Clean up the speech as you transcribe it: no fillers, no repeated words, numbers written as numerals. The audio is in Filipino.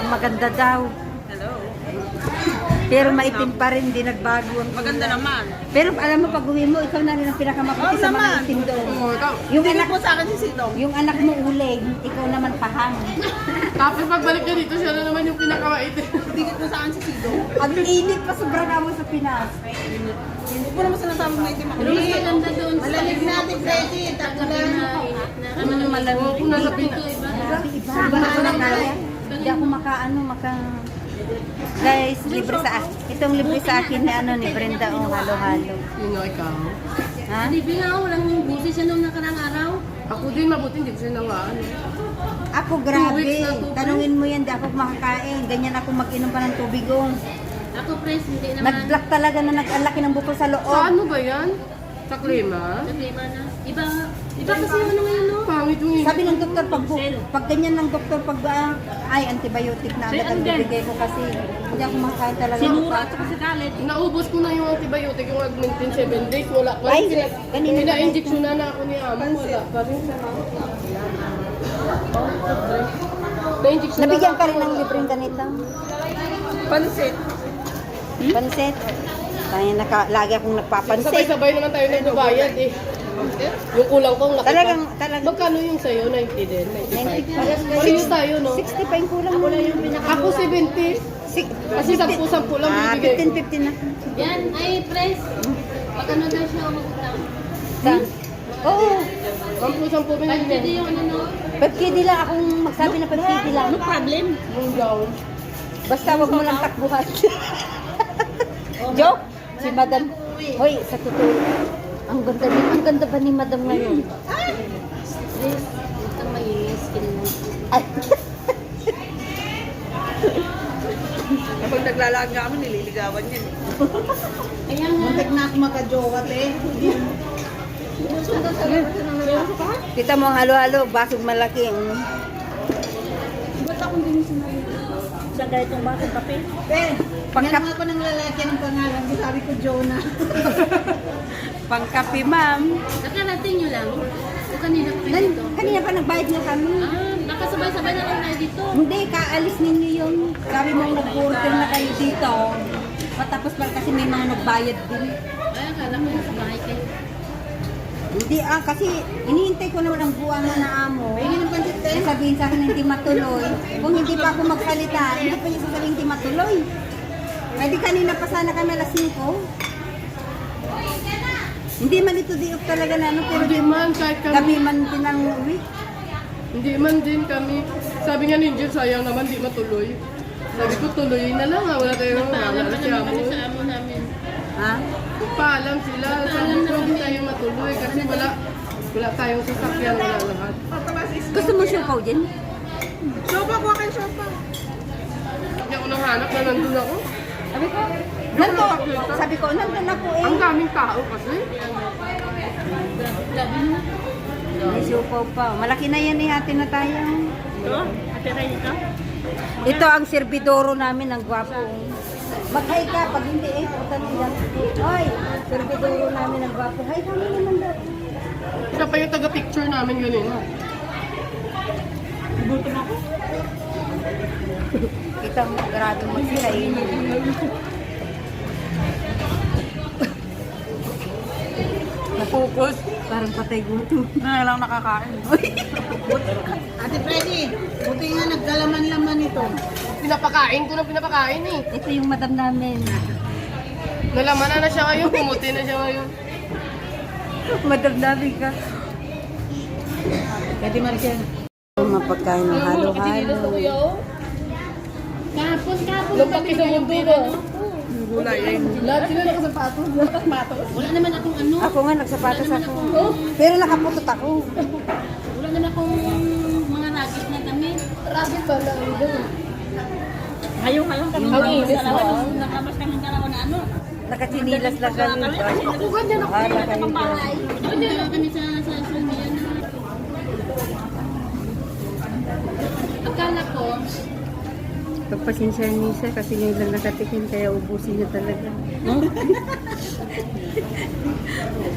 maganda daw. Hello. Pero maitim pa rin, di nagbago ang Maganda kulay. naman. Pero alam mo, pag uwi mo, ikaw na rin ang pinakamaputi sa mga naman. itim doon. Yung anak mo sa akin si Sidong. Yung anak mo uling, ikaw naman pahang. Tapos pagbalik niya dito, siya na naman yung pinakamaitim. Tingit mo sa akin si Sidong. Ang init pa sobra na mo sa Pinas. Hindi ko naman sinasabi na itim ako. Pero mas maganda doon sa Malamig natin, Freddy. gabi na init na. Ano naman Malamig. Oo, kung nasa Pinas. Iba, ako na kaya. Hindi ako maka. Guys, libre sa itong libre sa akin ni ni Brenda o halo-halo. Yun o, ikaw. Ha? Hindi nga, walang busi siya nung nakarang araw. Ako din, mabuti, hindi ko siya nawaan. Ako grabe. 2 weeks na to, Tanungin mo yan, di ako makakain. Ganyan ako mag-inom pa ng tubig. Ako, Pres, hindi naman. Nag-black talaga na nag-alaki ng buko sa loob. Sa ano ba yan? Sa klima? Problema na. Iba kasi yung ano ngayon, no? Pangit yung Sabi ng doktor, pag ganyan ng doktor, pag ay antibiotic na agad ang bibigay ko kasi hindi ako makakain talaga. Sinura at saka si Galit. Naubos ko na yung antibiotic, yung augmentin 7 days, wala pa. Ay, kanina pa Pina-injection na ako ni Amo, wala pa rin. Na-injection Nabigyan ka rin ng libreng ganito. Pansit. Pansit. Kaya lagi akong nagpapansit. Sabay-sabay naman tayo nagbabayad eh. Yung kulang kong nakita. Talagang. Magkano yung sa'yo? 90 din? 95? 90. Parehas tayo, no? 60 pa yung kulang mo. Ako 70. Kasi 10-10 lang bibigay ko. 15-15 na. Yan, ay, Pres. Pag ano daw siya umutang. Oo. 10-10 Pwede binigyan. yung ano, no? 5KD lang akong magsabi na 5KD lang. No problem. Yung gown. Basta wag mo lang takbuhan. Joke? Si Madam. Hoy, sa totoo. Ang ganda ba ni Madam ngayon? Pres, huwag kang may-skin mo. Ay, Kapag naglalaan nga kami, nililigawan yan. Kaya nga. Muntik na ako magka-jowa, te. kita mo ang halo-halo, basog malaki. Ba't ako hindi mo sinabi? Sa ganitong basong kape. Te, Pagka- pagka ako ng lalaki ng pangalan, sabi ko Jonah. Pangkapi, ma'am. Nakarating nyo lang. O kanina pa kayo dito. Kanina pa nagbayad na kami. Nakasabay-sabay na lang tayo dito. Hindi, kaalis ninyo yung sabi mo nag-order na kayo dito. Matapos lang kasi may mga nagbayad din. Ay, akala ko nasa bahay kayo. Hindi kasi inihintay ko naman ang buwan mo na amo. Pahingin ng pansit, te. Sabihin sa akin hindi matuloy. Kung hindi pa ako magsalita, hindi pa niya sasabihin hindi matuloy. Pwede kanina pa sana kami alas 5. Hindi man ito di talaga na ano, pero Hindi man, kahit gabi kami. man pinang uwi. Hindi man din kami. Sabi nga ni Jill, sayang naman, di matuloy. Sabi ko, tuloy na lang ha. Wala tayong Paalam wala pa si naman Amo. kami sa amo namin. Ha? Paalam sila. Sabi ko, hindi tayo matuloy kasi wala tayong sasakyan, wala lahat. Gusto mo siopaw din? Sopa, kuha kang sopa. Hindi ako nanghanap na nandun ako. Sabi ko, nandun ako eh. Ang daming tao kasi. Grabe na. May siopaw pa. Malaki na yan eh, hati na tayo. Ito? Ate Ray ito? Ito ang serbidoro namin, ang gwapo. Mag-hi ka, pag hindi eh, puta na yan. Hoy, serbidoro namin, ang gwapo. Hi kami naman daw. Siya pa yung taga-picture namin ganun. Kita mo, grabe magsirain. Napokus. Parang patay gutom. Na lang nakakain. Ate Freddy, buti nga naggalaman-laman ito. Pinapakain ko na pinapakain eh. Ito yung madam namin. Nalaman na siya ngayon, pumuti na siya ngayon. Madam namin ka. Pwede Maricel. Mapagkain ng halo-halo. Kahapon. Lumpak sa mundo ba? Gulay eh. Lahat sila nakasapatos. Wala naman akong ano. Ako nga, nagsapatos ako. Pero nakaputot ako. Wala naman akong mga ragis na kami. Rabbit ba lang doon? Ngayon kami. Ang inis mo. Nakabas kami ng kalawa na ano. Nakachinilas lang kami. Ako ganyan ako. Hala kayo. Hindi naman kami sa Sumian. Akala ko, Pagpasensya niya siya kasi ngayon lang nakatikim kaya ubusin niya talaga.